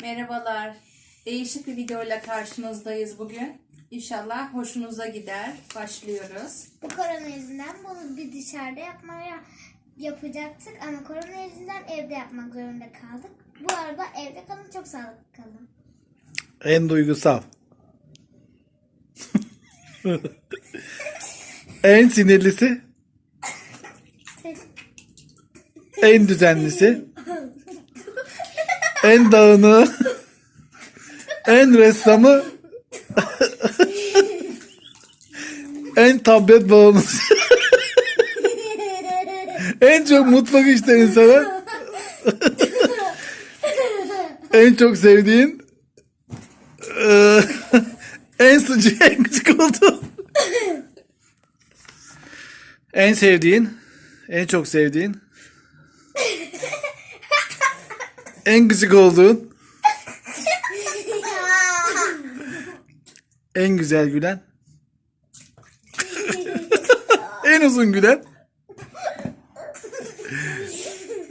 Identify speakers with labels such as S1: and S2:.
S1: Merhabalar. Değişik bir videoyla karşınızdayız bugün. İnşallah hoşunuza gider. Başlıyoruz.
S2: Bu korona yüzünden bunu bir dışarıda yapacaktık ama korona yüzünden evde yapmak zorunda kaldık. Bu arada evde kalın, çok sağlıklı kalın.
S3: En duygusal. En sinirlisi. En düzenlisi. En dağınığı. En ressamı. En tablet bağımlısı. En çok mutfak işlerini seven. En çok sevdiğin. En sıcak, en gıcık olduğun. En sevdiğin. En çok sevdiğin. En gıcık olduğun. En güzel gülen. En uzun gülen.